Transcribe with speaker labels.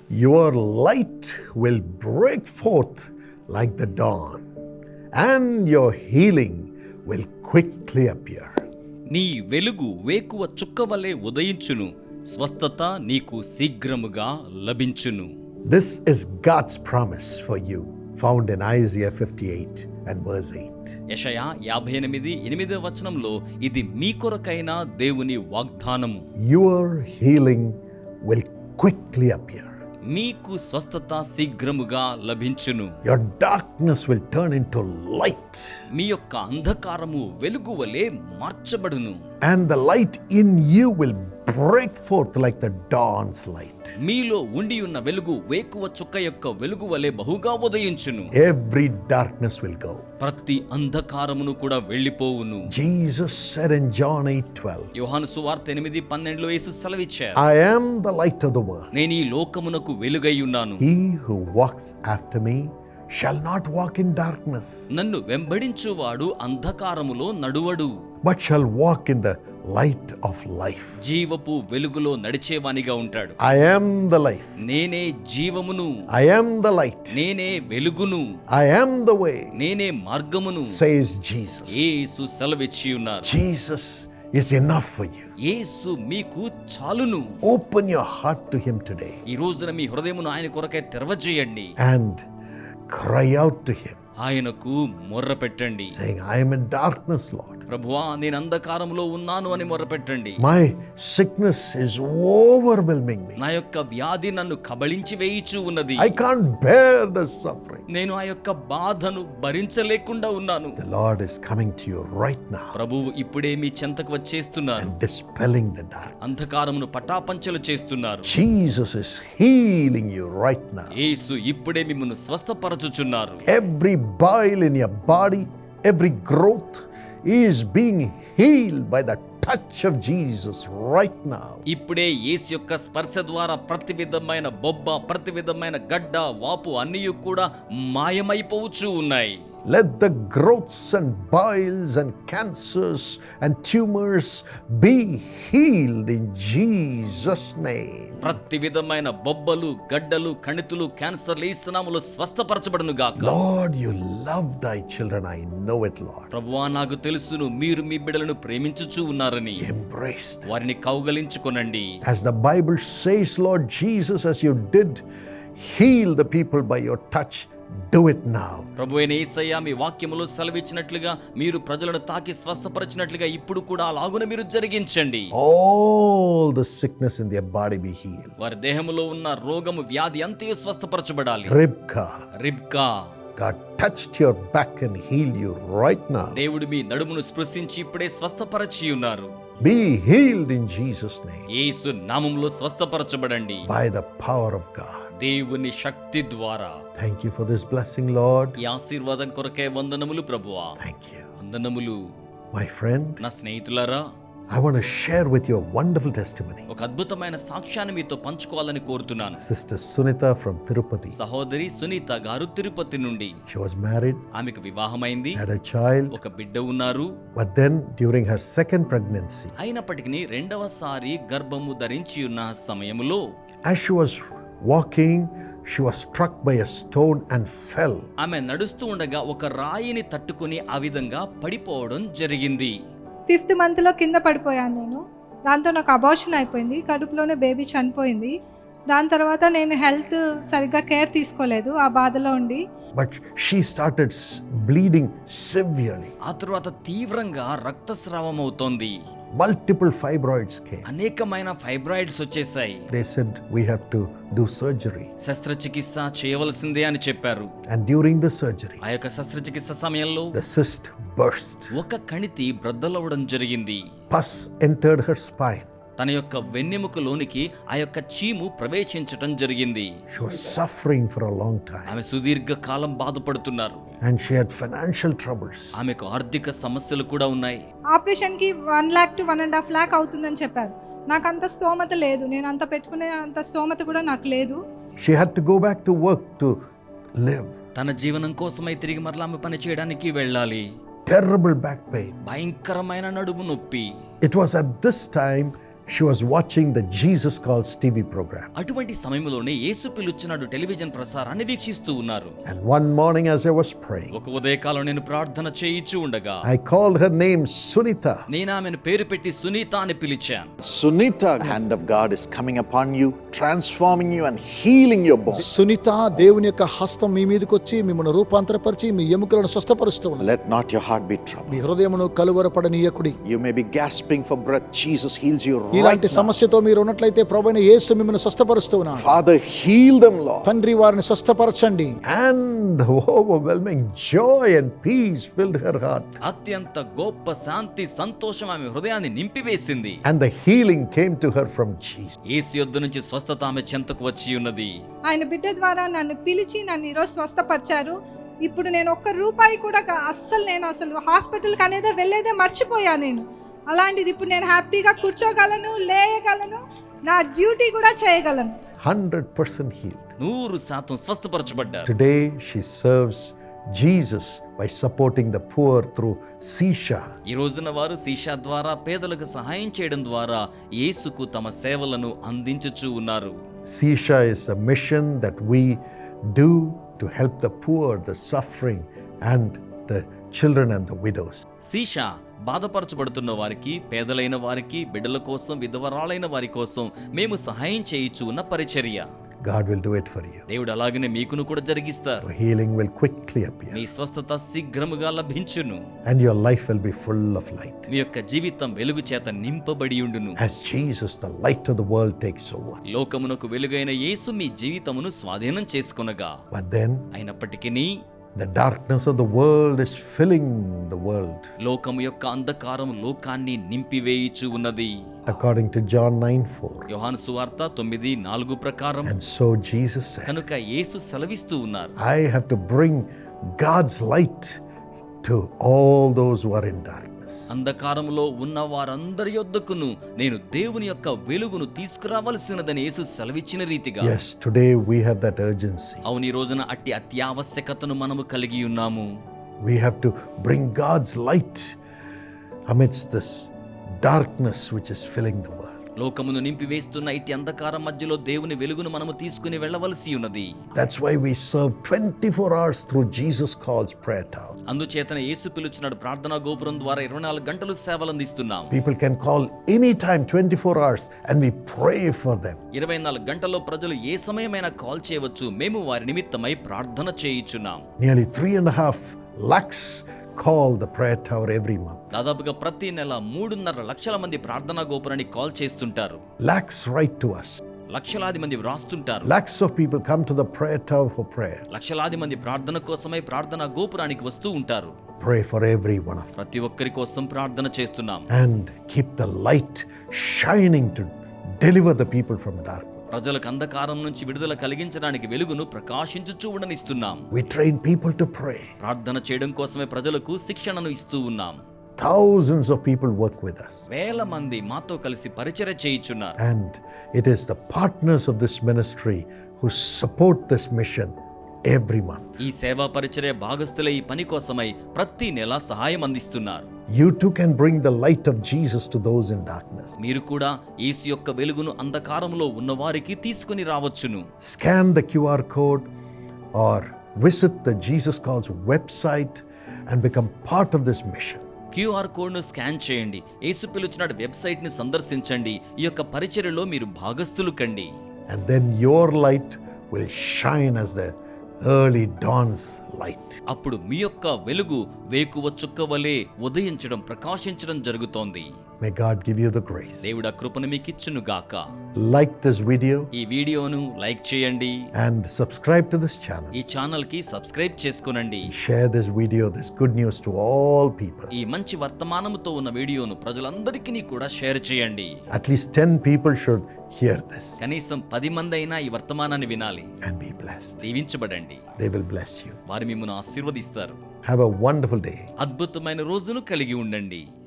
Speaker 1: Your light will break forth like the dawn, and your healing will quickly appear.
Speaker 2: నీ వెలుగు వేకువ చుక్క వలె ఉదయించును, స్వస్థత నీకు శీఘ్రముగా లభించును.
Speaker 1: This is God's promise for you, found in Isaiah 58 and verse 8.
Speaker 2: యెషయా 58:8 వచనంలో ఇది మీ కొరకైన దేవుని వాగ్దానము.
Speaker 1: Your healing will quickly appear.
Speaker 2: మీకు స్వస్థత శీఘ్రముగా లభించును.
Speaker 1: Your darkness will turn into light,
Speaker 2: మీ యొక్క అంధకారము వెలుగు వలె మార్చబడును.
Speaker 1: and the light in you will break forth like the dawn's light.
Speaker 2: మీలో ఉండి ఉన్న వెలుగు వేకువ చుక్క యొక్క వెలుగు వలె బహుగా ఉదయించును.
Speaker 1: Every darkness will go.
Speaker 2: ప్రతి అంధకారమును కూడా వెళ్ళిపోవును.
Speaker 1: Jesus said in John 8:12,
Speaker 2: యోహాను సువార్త 8:12 యేసు సెలవిచ్చారు,
Speaker 1: I am the light of the world.
Speaker 2: నేను ఈ లోకమునకు వెలుగై ఉన్నాను.
Speaker 1: He who walks after me shall not walk in darkness,
Speaker 2: నన్ను వెంబడించువాడు అంధకారములో నడువడు,
Speaker 1: but shall walk in the light of life.
Speaker 2: జీవపు వెలుగులో నడిచేవానిగా ఉంటాడు.
Speaker 1: I am the life.
Speaker 2: నేనే జీవమును,
Speaker 1: I am the light.
Speaker 2: నేనే వెలుగును,
Speaker 1: I am the way,
Speaker 2: నేనే మార్గమును,
Speaker 1: says Jesus.
Speaker 2: యేసు సెలవిచ్చి ఉన్నారు.
Speaker 1: Jesus is enough for you.
Speaker 2: యేసు మీకు చాలును.
Speaker 1: Open your heart to him today
Speaker 2: ఈ రోజున మీ హృదయమును ఆయన కొరకై తెరవజేయండి.
Speaker 1: and cry out to him,
Speaker 2: ఆయనకు మొర్ర పెట్టండి.
Speaker 1: saying, I am in darkness, Lord.
Speaker 2: ప్రభువా, నేను అంధకారంలో ఉన్నాను అని మొర్ర పెట్టండి.
Speaker 1: My sickness is overwhelming me.
Speaker 2: నా యొక్క వ్యాధి నన్ను కబళించి వేయిచూ ఉన్నది.
Speaker 1: I can't bear the suffering.
Speaker 2: నేను ఆ యొక్క బాధను భరించలేకుండా ఉన్నాను.
Speaker 1: The Lord is coming to you right now
Speaker 2: ప్రభువు ఇప్పుడే మీ చెంతకు వచ్చేస్తున్నారు.
Speaker 1: and dispelling the darkness.
Speaker 2: అంధకారమును పటాపంచలు చేస్తున్నారు.
Speaker 1: Jesus is healing you right now.
Speaker 2: యేసు ఇప్పుడే మిమ్మల్ని స్వస్థపరచుచున్నారు.
Speaker 1: Every bile in your body, every growth is being healed by the touch of Jesus right now.
Speaker 2: ఇప్పుడే యేసు యొక్క స్పర్శ ద్వారా ప్రతి విధమైన బొబ్బ, ప్రతి విధమైన గడ్డ, వాపు అన్నీ కూడా మాయమైపోవచ్చు ఉన్నాయి.
Speaker 1: Let the growths and biles and cancers and tumors be healed in Jesus' name.
Speaker 2: ప్రతి విధమైన బొబ్బలు, గడ్డలు, కణితులు, క్యాన్సర్లు యేసు నామములో స్వస్థపరచబడును గాక.
Speaker 1: Lord, you love thy children. I know it, Lord.
Speaker 2: ప్రభువా, నాకు తెలుసును మీరు మీ బిడ్డలను ప్రేమించుచూ ఉన్నారని.
Speaker 1: Embrace them.
Speaker 2: వారిని కౌగలించుకొనండి.
Speaker 1: As the Bible says, Lord Jesus, as you did heal the people by your touch, do it now.
Speaker 2: ప్రభువైన యేసయ్య మీ వాక్యములో సెలవిచ్చినట్లుగా మీరు ప్రజలను తాకి స్వస్థపరిచినట్లుగా ఇప్పుడు కూడా అలాగున మీరు జరిగించండి.
Speaker 1: All the sickness in their body be healed.
Speaker 2: వారి దేహములో ఉన్న రోగము, వ్యాధి అంతయు స్వస్థపరచబడాలి.
Speaker 1: Ribka, God touched your back and healed you right now.
Speaker 2: దేవుడు మీ నడుమును స్పృశించి ఇప్పుడే స్వస్థపరచి ఉన్నారు.
Speaker 1: Be healed in Jesus' name
Speaker 2: యేసు నామములో స్వస్థపరచబడండి
Speaker 1: by the power of God.
Speaker 2: దేవుని శక్తి ద్వారా.
Speaker 1: Thank you for this blessing, Lord.
Speaker 2: ఈ ఆశీర్వాదం కొరకే వందనములు ప్రభువా.
Speaker 1: Thank you.
Speaker 2: వందనములు.
Speaker 1: My friend,
Speaker 2: నా స్నేహితులారా,
Speaker 1: I want to share with you a wonderful testimony.
Speaker 2: ఒక అద్భుతమైన సాక్ష్యాన్ని మీతో పంచుకోవాలని కోరుతున్నాను.
Speaker 1: Sister Sunita from Tirupati.
Speaker 2: సహోదరి సునీత గారు తిరుపతి నుండి.
Speaker 1: She was married,
Speaker 2: ఆమెకు వివాహమైంది,
Speaker 1: had a child,
Speaker 2: ఒక బిడ్డ ఉన్నారు.
Speaker 1: but then during her second pregnancy,
Speaker 2: అయినప్పటికీ రెండవసారి గర్భము ధరించి ఉన్న సమయములో
Speaker 1: as she was walking, she was struck by a stone and fell.
Speaker 2: ఆమె నడుస్తూ ఉండగా ఒక రాయిని తట్టుకుని ఆ విధంగా పడిపోవడం జరిగింది.
Speaker 3: 5th మంత్లో కింద పడిపోయాను నేను. దాంతో నాకు అబార్షన్ అయిపోయింది, కడుపులోనే బేబీ చనిపోయింది. దాని తర్వాత నేను హెల్త్ సరిగ్గా కేర్ తీసుకోలేదు ఆ బాధలో ఉండి.
Speaker 1: But she started bleeding severely.
Speaker 2: ఆ తర్వాత తీవ్రంగా రక్తస్రావం అవుతోంది.
Speaker 1: Multiple fibroids came.
Speaker 2: అనేకమైన ఫైబ్రాయిడ్స్ వచ్చేసాయి.
Speaker 1: They said we have to do surgery.
Speaker 2: శస్త్రచికిత్స చేయవలసిందే అని చెప్పారు.
Speaker 1: And during the surgery,
Speaker 2: ఆ యొక్క శస్త్రచికిత్స సమయంలో
Speaker 1: the cyst burst.
Speaker 2: ఒక కణితి బ్రద్దలవడం జరిగింది.
Speaker 1: Pus entered her spine.
Speaker 2: తన యొక్క వెన్నెముకలోనికి ఆ యొక్క చీము ప్రవేశించటం జరిగింది.
Speaker 1: She was suffering for a long time.
Speaker 2: ఆమె సుదీర్ఘ కాలం బాధపడుతున్నారు.
Speaker 1: And she had financial troubles.
Speaker 2: ఆమెకు ఆర్థిక సమస్యలు కూడా ఉన్నాయి.
Speaker 3: ఆపరేషన్కి 1 lakh to 1.5 lakh అవుతుందని చెప్పారు. నాకు అంత స్తోమత లేదు, నేను అంత పెట్టుకునే అంత స్తోమత కూడా నాకు లేదు.
Speaker 1: She had to go back to work to live.
Speaker 2: తన జీవనం కోసమై తిరిగి మరలా ఆమె పని చేయడానికి వెళ్ళాలి.
Speaker 1: Terrible back pain.
Speaker 2: భయంకరమైన నడుము నొప్పి.
Speaker 1: It was at this time she was watching the Jesus Calls TV program.
Speaker 2: అటువంటి సమయంలోనే యేసు పిలుచున్నాడు టెలివిజన్ ప్రసారాన్ని వీక్షిస్తూ ఉన్నారు.
Speaker 1: And one morning as I was praying,
Speaker 2: ఒక ఉదయకాలం నేను ప్రార్థన చేయిచూ ఉండగా
Speaker 1: I called her name Sunita.
Speaker 2: నేను ఆమెను పేరు పెట్టి సునీత అని పిలిచాను.
Speaker 1: Sunita, the hand of God is coming upon you, transforming you and healing your bones.
Speaker 4: Sunitha, దేవుని యొక్క హస్తం మీ మీదకి వచ్చి మిమ్మల్ని రూపాంతరపరిచి మీ ఎముకలను స్వస్థపరుస్తూ ఉన్నది.
Speaker 1: Let not your heart be troubled.
Speaker 4: మీ హృదయమును కలువరపడనీయకుడి.
Speaker 1: You may be gasping for breath. Jesus heals you right
Speaker 4: ఇలాంటి
Speaker 1: now.
Speaker 4: సమస్యతో మీరు ఉన్నట్లయితే ప్రభువైన యేసు మిమ్మల్ని స్వస్థపరుస్తూ ఉన్నాడు.
Speaker 1: Father, heal them, Lord.
Speaker 4: తండ్రి, వారిని స్వస్థపరచండి.
Speaker 1: And overwhelming joy and peace filled her heart.
Speaker 2: అత్యంత గొప్ప శాంతి సంతోషం ఆమె హృదయాన్ని నింపివేసింది.
Speaker 1: And the healing came to her from Jesus.
Speaker 2: యేసు యొద్ద నుంచి స్వస్థత ఆమె చెంతకు వచ్చి ఉన్నది.
Speaker 3: ఆయన బిడ్డ ద్వారా నన్ను పిలిచి నన్ను ఈరోజు స్వస్థపరిచారు. ఇప్పుడు నేను ఒక్క రూపాయి కూడా నేను అసలు హాస్పిటల్కి అనేది వెళ్ళేదే మర్చిపోయాను నేను. అలాంటిది ఇప్పుడు నేను హ్యాపీగా కూర్చోగలను, లేయగలను, నా డ్యూటీ కూడా చేయగలను.
Speaker 1: 100% healed.
Speaker 2: 100% స్వస్థపరచబడ్డారు.
Speaker 1: Today she serves Jesus by supporting the poor through Sisha.
Speaker 2: ఈ రోజున వారు సీషా ద్వారా పేదలకు సహాయం చేయడం ద్వారా యేసుకు తమ సేవలను అందించుచూ ఉన్నారు.
Speaker 1: Sisha is a mission that we do to help the poor, the suffering, and the children and the widows.
Speaker 2: సీషా బాధపరచబడుతున్న వారికి, పేదలైన వారికి, బిడ్డల కోసం, విధవరాలైన వారి కోసం మేము సహాయం చేయించు ఉన్న పరిచర్య.
Speaker 1: God will do it for you.
Speaker 2: దేవుడు అలాగనే మీకును కూడా జరిగిస్తారు.
Speaker 1: Your healing will quickly appear.
Speaker 2: మీ స్వస్థత శీఘ్రముగా లభించును.
Speaker 1: And your life will be full of light.
Speaker 2: మీ యొక్క జీవితం వెలుగు చేత నింపబడి ఉండును.
Speaker 1: As Jesus, the light of the world, takes over.
Speaker 2: లోకమునకు వెలుగైన యేసు మీ జీవితమును స్వాధీనం చేసుకొనగా,
Speaker 1: But then
Speaker 2: అయినప్పటికీ
Speaker 1: the darkness of the world is filling the world.
Speaker 2: లోకము యొక్క అంధకారం లోకాన్ని నింపివేయుచు ఉన్నది.
Speaker 1: According to John 9:4.
Speaker 2: యోహాను సువార్త 9:4 ప్రకారం.
Speaker 1: And so Jesus said,
Speaker 2: కనుక యేసు సెలవిస్తూ ఉన్నారు,
Speaker 1: I have to bring God's light to all those who are in darkness.
Speaker 2: అంధకారములో ఉన్న వారందరి యొద్దకును నేను దేవుని యొక్క వెలుగును తీసుకురావలసినదని యేసు సెలవిచ్చిన రీతిగా.
Speaker 1: Yes, today we have that urgency.
Speaker 2: అవును, ఈ రోజున అట్టి అత్యావశ్యకతను మనము కలిగి ఉన్నాము.
Speaker 1: We have to bring God's light amidst this darkness which is filling the world.
Speaker 2: లోకమును నింపివేస్తున్న ఇట్టి అంధకారం మధ్యలో దేవుని వెలుగును మనము తీసుకుని వెళ్ళవలసి ఉన్నది.
Speaker 1: That's why we serve 24 hours through Jesus Calls Prayer Tower.
Speaker 2: అందుచేతనే యేసు పిలుచున్నాడు ప్రార్థనా గోపురం ద్వారా 24 గంటలు సేవలు అందిస్తున్నాం.
Speaker 1: People can call anytime 24 hours and we pray for them.
Speaker 2: 24 గంటల్లో ప్రజలు ఏ సమయమైనా కాల్ చేయవచ్చు. మేము వారి నిమిత్తమై ప్రార్థన చేయుచున్నాం.
Speaker 1: Nearly 3.5 lakhs call the prayer tower every month.
Speaker 2: దాదాపుగా ప్రతి నెల 3.5 లక్షల మంది ప్రార్థనా గోపురానికి కాల్ చేస్తుంటారు.
Speaker 1: Lakhs write to us.
Speaker 2: లక్షలాది మంది వ్రాస్తుంటారు.
Speaker 1: Lakhs of people come to the prayer tower for prayer.
Speaker 2: లక్షలాది మంది ప్రార్థన కోసమై ప్రార్థనా గోపురానికి వస్తూ ఉంటారు.
Speaker 1: Pray for every one of them.
Speaker 2: ప్రతి ఒక్కరి కోసం ప్రార్థన చేస్తున్నాం.
Speaker 1: And keep the light shining to deliver the people from darkness.
Speaker 2: ప్రజలకు అంధకారం నుంచి విడుదల కలిగించడానికి వెలుగును ప్రకాశించుచూ ఉండనిస్తున్నాం.
Speaker 1: We train people to pray.
Speaker 2: ప్రార్థన చేయడం కోసమే ప్రజలకు శిక్షణను ఇస్తూ ఉన్నాం.
Speaker 1: Thousands of people work with us.
Speaker 2: వేల మంది మాతో కలిసి పరిచర్య చేయుచున్నారు.
Speaker 1: And it is the partners of this ministry who support this mission every month.
Speaker 2: ఈ సేవా పరిచర్య భాగస్థులే ఈ పని కోసమై ప్రతి నెల సహాయం అందిస్తున్నారు.
Speaker 1: You too can bring the light of Jesus to those in darkness.
Speaker 2: మీరు కూడా యేసు యొక్క వెలుగును అంధకారంలో ఉన్నవారికి తీసుకుని రావచ్చును.
Speaker 1: Scan the QR code or visit the Jesus Calls website and become part of this mission.
Speaker 2: QR కోడ్ను స్కాన్ చేయండి. యేసు పిలుచున్నాడు వెబ్సైట్ని సందర్శించండి. ఈ యొక్క పరిచర్యలో మీరు భాగస్థులు కండి.
Speaker 1: And then your light will shine as the early dawn's light.
Speaker 2: అప్పుడు మీ యొక్క వెలుగు వేకువ చుక్క వలె ఉదయించడం, ప్రకాశించడం జరుగుతోంది.
Speaker 1: May God give you the grace.
Speaker 2: దేవుడు ఆ కృపను మీకు ఇచ్చును గాక.
Speaker 1: Like this video
Speaker 2: ఈ వీడియోను లైక్ చేయండి.
Speaker 1: and subscribe to this channel.
Speaker 2: ఈ ఛానల్ కి సబ్స్క్రైబ్ చేసుకొనండి.
Speaker 1: Share this video, this good news to all people.
Speaker 2: ఈ మంచి వర్తమానముతో ఉన్న వీడియోను ప్రజలందరికీ కూడా షేర్ చేయండి.
Speaker 1: At least 10 people should hear this
Speaker 2: కనీసం 10 మంది అయినా ఈ వర్తమానాన్ని వినాలి.
Speaker 1: and be blessed.
Speaker 2: దీవించబడండి.
Speaker 1: They will bless you.
Speaker 2: వారు మిమ్మల్ని ఆశీర్వదిస్తారు.
Speaker 1: Have a wonderful day.
Speaker 2: అద్భుతమైన రోజును కలిగి ఉండండి.